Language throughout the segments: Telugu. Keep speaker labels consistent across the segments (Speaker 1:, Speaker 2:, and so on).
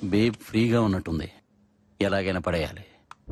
Speaker 1: బేబ్ ఫ్రీగా ఉన్నట్టుంది, ఎలాగైనా పడేయాలి.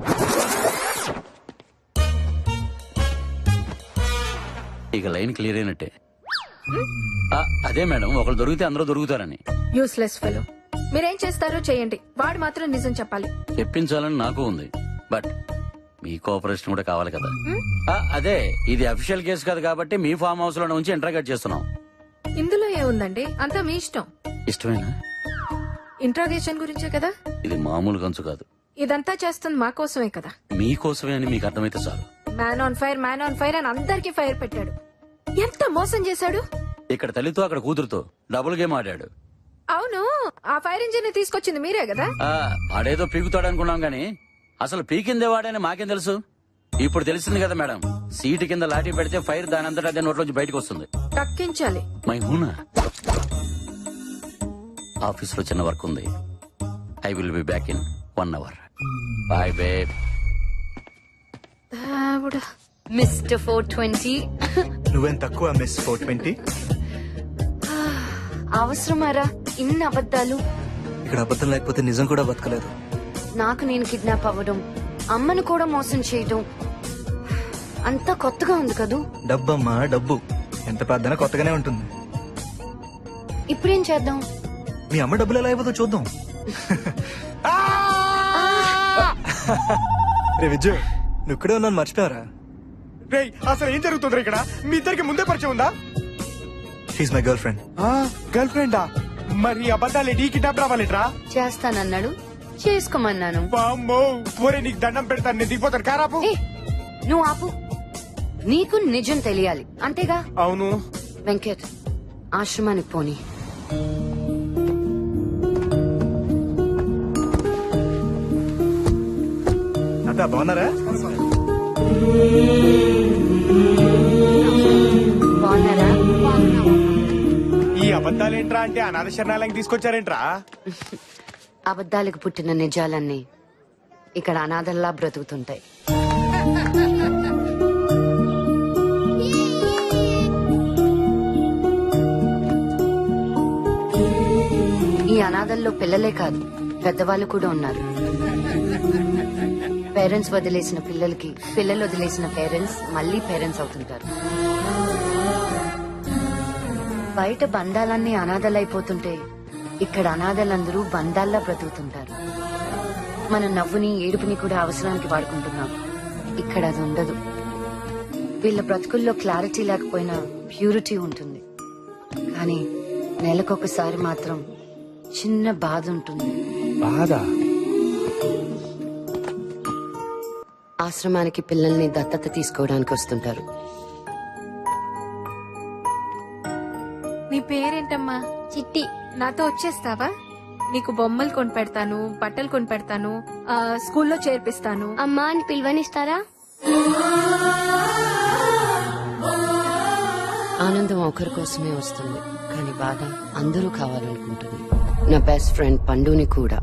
Speaker 1: ఇక లైన్ క్లియర్ అయినట్టే. అదే మేడం, ఒకరు దొరికితే అందరూ దొరుకుతారని.
Speaker 2: Useless fellow. మీరేం చేస్తారో చేయండి, వాడు మాత్రం నిజం చెప్పాలి.
Speaker 1: చెప్పించాలని నాకు ఉంది, బట్ మీ కోఆపరేషన్ కూడా కావాలి కదా. అదే, ఇది అఫీషియల్ కేసు కాదు కాబట్టి మీ ఫామ్ హౌస్ లో నుంచి ఇంట్రాగేట్ చేస్తున్నాం.
Speaker 2: ఇందులో ఏముందండి, అంతా మీ ఇష్టం.
Speaker 1: ఇష్టమేనా?
Speaker 2: ఇంట్రాగేషన్ గురించే కదా.
Speaker 1: ఇది మామూలు గంచు కాదు.
Speaker 2: ఇదంతా చేస్తుంది మా కోసమే కదా.
Speaker 1: మీకోసమే అని మీకు అర్థమైతే చాలు.
Speaker 2: మ్యాన్ ఆన్ ఫైర్ అని అందరికీ ఫైర్ పెట్టాడు. ఎంత మోసం చేశాడు.
Speaker 1: ఇక్కడ తల్లితో అక్కడ కూతురుతో డబుల్ గేమ్ ఆడాడు.
Speaker 2: అవును, ఆ ఫైర్ ఇంజిన్ తీసుకొచ్చింది మీరే కదా.
Speaker 1: ఆడేదో పీకుతాడు అనుకున్నాం గాని అసలు పీకిందే వాడని మాకేం తెలుసు. ఇప్పుడు తెలిసింది కదా మేడం, సీటు కింద లాఠీ పెడితే ఫైర్ దాని అంతటా అదే నోట్లోంచి బయటకు వస్తుంది.
Speaker 2: తక్కించాలి.
Speaker 1: మై హూనా. ఆఫీస్ లో చిన్న వర్క్ ఉంది. I will be back in 1 hour. Bye babe.
Speaker 3: Mister 420.
Speaker 4: నువ్వేం తక్కువ మిస్ 420.
Speaker 3: అవసరమారా ఇన్ని అబద్ధాలు?
Speaker 4: ఇక్కడ అబద్ధం లేకపోతే నిజం కూడా బతకలేదు.
Speaker 3: నాకు నేను కిడ్నాప్ అవ్వడం, అమ్మను కూడా మోసం చేయడం అంతా కొత్తగా ఉంది కదూ.
Speaker 4: డబ్బమ్మా డబ్బు, ఎంత పెద్దనా కొత్తగానే ఉంటుంది.
Speaker 3: ఇప్పుడేం చేద్దాం?
Speaker 4: మీ అమ్మ డబ్బులు ఎలా అయిపోతుందో చూద్దాం. రే విజయ్, నువ్వు ఇక్కడే ఉన్నాను మర్చిపోయారా?
Speaker 5: రేయ్, అసలు ఏం జరుగుతుంది ఇక్కడ? మీ ఇద్దరికి ముందే పరిచయం ఉందా?
Speaker 4: She my girl friend.
Speaker 5: గర్ల్ ఫ్రెండా? మరి అబద్ధాలు నీ కిడ్నాప్ రావాలిట్రా?
Speaker 3: చేస్తానన్నాడు, చేసుకోమన్నాను.
Speaker 5: బామ్మో, ఒరే నీకు దండం పెడతాను, నేను దిగిపోతాను. కారాపు.
Speaker 3: ఏ, నువ్వు ఆపు. నీకు నిజం తెలియాలి అంతేగా?
Speaker 5: అవును.
Speaker 3: వెంకట్, ఆశ్రమానికి పోని.
Speaker 4: అంతా బాగున్నారా?
Speaker 3: బాగున్నారా?
Speaker 5: ఈ అబద్ధాలేంట్రా అంటే అనాథ శరణాలయం తీసుకొచ్చారేంట్రా?
Speaker 3: అబద్ధాలకు పుట్టిన నిజాలన్నీ ఇక్కడ అనాథల్లా బ్రతుకుతుంటాయి. ఈ అనాథల్లో పిల్లలే కాదు, పెద్దవాళ్ళు కూడా ఉన్నారు. పేరెంట్స్ వదిలేసిన పిల్లలకి, పిల్లలు వదిలేసిన పేరెంట్స్ మళ్ళీ పేరెంట్స్ అవుతుంటారు. బయట బంధాలన్నీ అనాథలైపోతుంటే ఇక్కడ అనాథలందరూ బంధాల్లా బ్రతుకుతుంటారు. మన నవ్వుని, ఏడుపుని కూడా అవసరానికి వాడుకుంటున్నాం. ఇక్కడ అది ఉండదు. వీళ్ళ బ్రతుకుల్లో క్లారిటీ లేకపోయినా ప్యూరిటీ ఉంటుంది. కానీ నెలకొకసారి మాత్రం చిన్న బాధ ఉంటుంది.
Speaker 5: బాధ?
Speaker 3: ఆశ్రమానికి పిల్లల్ని దత్తత తీసుకోవడానికి వస్తుంటారు.
Speaker 2: నీ పేరేంటమ్మా?
Speaker 6: చిట్టి.
Speaker 2: నాతో వచ్చేస్తావా? నీకు బొమ్మలు కొని పెడతాను, బట్టలు కొని పెడతాను, స్కూల్లో చేర్పిస్తాను.
Speaker 6: అమ్మా అని పిలువనిస్తారా?
Speaker 3: ఆనందం ఒకరి కోసమే వస్తుంది, కానీ బాధ అందరూ కావాలనుకుంటుంది. నా బెస్ట్ ఫ్రెండ్ పండుని కూడా.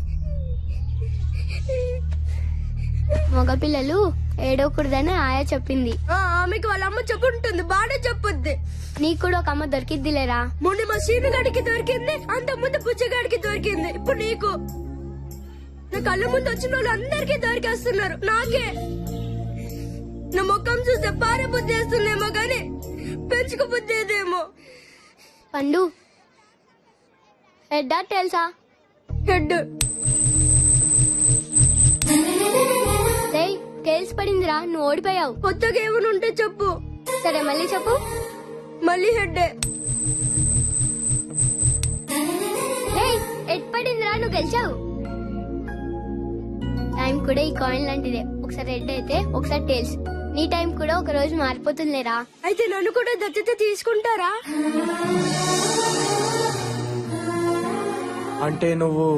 Speaker 6: మగపిల్లలు ఏడవకూడదని ఆయా చెప్పింది.
Speaker 7: ఆమెకి వాళ్ళ అమ్మ చెప్పుంటుంది, బాగా చెప్పుద్ది.
Speaker 6: నీకు కూడా ఒక అమ్మ దొరికిద్దిలేరా?
Speaker 7: మొన్న మా సీనుగాడికి దొరికింది, అంత ముందు పుచ్చగాడికి దొరికింది, ఇప్పుడు నీకు. నా కళ్ళ ముందు వచ్చిన వాళ్ళు అందరికీ దొరికేస్తున్నారు, నాకే. నా ముఖం చూస్తే పారే బుద్ధి వేస్తుందేమో గాని పెంచుకు బుద్ధి ఏదేమో.
Speaker 6: పండు, హెడ్ తెలుసా?
Speaker 7: హెడ్.
Speaker 6: టేల్స్ పడిందిరా, నువ్వు ఓడిపోయావు.
Speaker 7: కొత్తగా ఏమైనా ఉంటే చెప్పు.
Speaker 6: సరే, మళ్ళీ చెప్పు.
Speaker 7: మళ్ళీ హెడ్.
Speaker 6: హెడ్ పడిందిరా, నువ్వు గెలిచావు. టైం కూడా ఈ కాయిన్ లాంటిదే, ఒకసారి హెడ్ అయితే ఒకసారి టేల్స్. నీ టైం కూడా ఒక రోజు మారిపోతుందిలేరా.
Speaker 7: అయితే నన్ను కూడా దత్తత తీసుకుంటారా?
Speaker 5: అంటే నువ్వు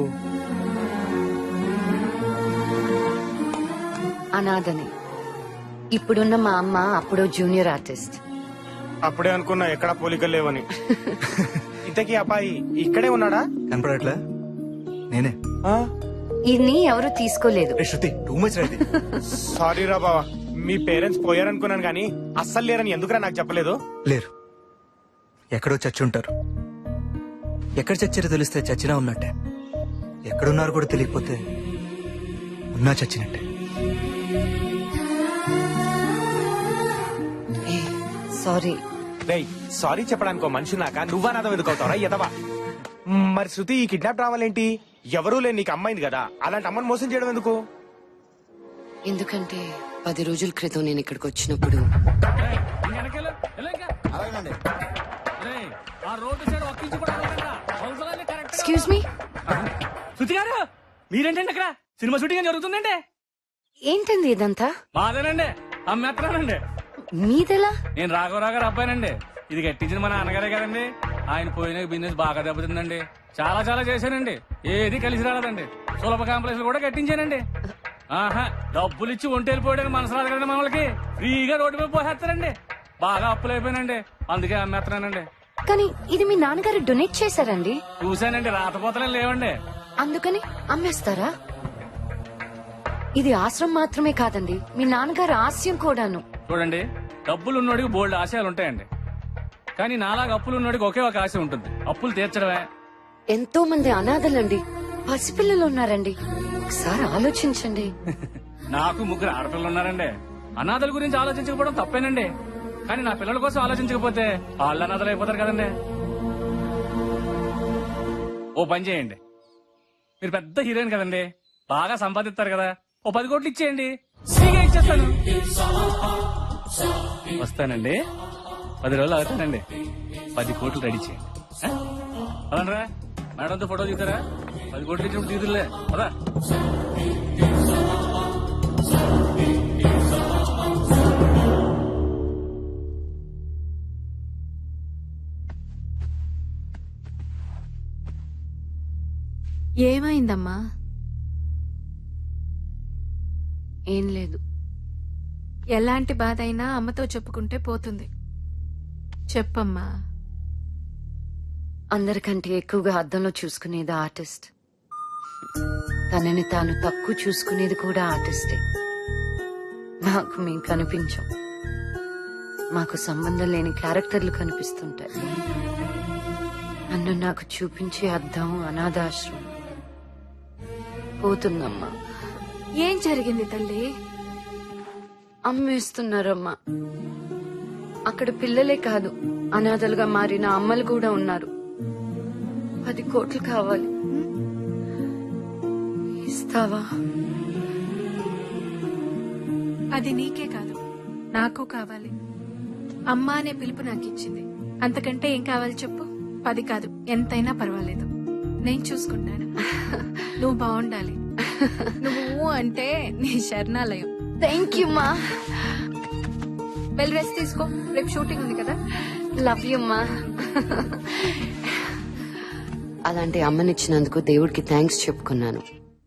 Speaker 3: అనాథని. ఇప్పుడున్న మా అమ్మ అప్పుడో జూనియర్ ఆర్టిస్ట్.
Speaker 5: అప్పుడే అనుకున్నా ఎక్కడా పోలికలు లేవని. ఇంతకీ అబ్బాయి ఇక్కడే ఉన్నాడా?
Speaker 4: కనపడట్లే? నేనే.
Speaker 3: ఇన్ని ఎవరు తీసుకోలేదు.
Speaker 4: Shruti, too much right.
Speaker 5: Sorry రా బావా, మీ పేరెంట్స్ పోయారనుకున్నాను గానీ అస్సలు లేరని ఎందుకురా నాకు చెప్పలేదు?
Speaker 4: లేరు, ఎక్కడో చచ్చి ఉంటారు. ఎక్కడ చచ్చారో తెలిస్తే చచ్చినా ఉన్నట్టే. ఎక్కడున్నారు కూడా తెలియకపోతే ఉన్నా చచ్చినట్టే.
Speaker 3: సారీ.
Speaker 5: రేయ్ సారీ చెప్పడానికి ఒక మనిషి నాక నువ్వా నాదో ఎదుకవుతావరా ఎదవా. మరి శృతి ఈ కిడ్నాప్ రావాలేంటి? ఎవరూ లేని నీకు అమ్మాయింది కదా, అలాంటి అమ్మని మోసం చేయడం ఎందుకు?
Speaker 3: ఎందుకంటే 10 రోజుల క్రితం నేను ఇక్కడికి వచ్చినప్పుడు ఎక్స్క్యూజ్ మీ.
Speaker 8: శృతి గారు మీరేంటండి అక్కడ? సినిమా షూటింగ్ జరుగుతుందండి.
Speaker 3: ఏంటండి ఇదంతా?
Speaker 8: మాదేనండి, అమ్మేస్తున్నానండి.
Speaker 3: మీదెలా?
Speaker 8: నేను రాఘవరావు గారు అబ్బాయినండి. ఇది కట్టించిన మా నాన్నగారే కదండి. ఆయన పోయిన బిజినెస్ బాగా దెబ్బతిందండి. చాలా చాలా చేశానండి, ఏది కలిసి రాలేదండి. సులభ కాంప్లెక్స్ కూడా కట్టించానండి. ఆహా, డబ్బులు ఇచ్చి ఒంటి వెళ్ళిపోయాడని మనసు రాదు కదండి మనకి. ఫ్రీగా రోడ్డు మీద పోసేస్తారండి. బాగా అప్పులు అయిపోయినండి, అందుకే అమ్మేస్తున్నానండి.
Speaker 3: కానీ ఇది మీ నాన్నగారు డొనేట్ చేశారండి.
Speaker 8: చూశానండి, రాతపోతలే లేవండి.
Speaker 3: అందుకని అమ్మేస్తారా? ఇది ఆశ్రమం మాత్రమే కాదండి, మీ నాన్నగారు ఆశయం కూడాను.
Speaker 8: చూడండి, డబ్బులు ఉన్నోడికి బోల్డ్ ఆశయాలు ఉంటాయండి. కానీ నాలాగా అప్పులు ఉన్నోడికి ఒకే ఒక ఆశ ఉంటుంది, అప్పులు తీర్చడమే.
Speaker 3: ఎంతో మంది అనాథలండి, పసిపిల్లలు ఉన్నారండి. ఒకసారి ఆలోచించండి.
Speaker 8: నాకు 3 ఆడపిల్లలు ఉన్నారండి. అనాథల గురించి ఆలోచించకపోవడం తప్పేనండి. కానీ నా పిల్లల కోసం ఆలోచించకపోతే వాళ్ళు అనాథలు అయిపోతారు కదండి. ఓ పని చేయండి, మీరు పెద్ద హీరోయిన్ కదండి, బాగా సంపాదిస్తారు కదా, ఓ 10 కోట్లు ఇచ్చేయండి, ఫ్రీగా ఇచ్చేస్తాను. వస్తానండి, 10 రోజులు అవుతానండి. 10 కోట్లు రెడీ చేయండి. అవునరా మేడంతో ఫోటో తీస్తారా? 10 కోట్లు ఇచ్చినప్పుడు తీదులే కదా.
Speaker 2: ఏమైందమ్మా?
Speaker 3: ఏం లేదు.
Speaker 2: ఎలాంటి బాధ అయినా అమ్మతో చెప్పుకుంటే పోతుంది. చెప్పమ్మా.
Speaker 3: అందరికంటే ఎక్కువగా అద్దంలో చూసుకునేది ఆర్టిస్ట్. తనని తాను తక్కువ చూసుకునేది కూడా ఆర్టిస్టే. నాకు మేము కనిపించాం, మాకు సంబంధం లేని క్యారెక్టర్లు కనిపిస్తుంటాయి. నన్ను నాకు చూపించే అద్దం అనాథాశ్రమం. పోతుందమ్మా.
Speaker 2: ఏం జరిగింది తల్లి?
Speaker 3: అమ్మేస్తున్నారమ్మా. అక్కడ పిల్లలే కాదు, అనాథలుగా మారిన అమ్మలు కూడా ఉన్నారు. 10 కోట్లు కావాలి, ఇస్తావా?
Speaker 2: అది నీకే కాదు, నాకు కావాలి. అమ్మ అనే పిలుపు నాకు ఇచ్చింది, అంతకంటే ఏం కావాలి చెప్పు? 10 కాదు, ఎంతైనా పర్వాలేదు, నేను చూసుకుంటాను. నువ్వు బాగుండాలి. నువ్వు అంటే నీ శరణాలయం.
Speaker 3: థ్యాంక్ యూ మా.
Speaker 2: వెళ్ళి రెస్ట్ తీసుకో, రేపు షూటింగ్ ఉంది కదా.
Speaker 3: లవ్ యూ మా. అలాంటి అమ్మనిచ్చినందుకు దేవుడికి థ్యాంక్స్ చెప్పుకున్నాను.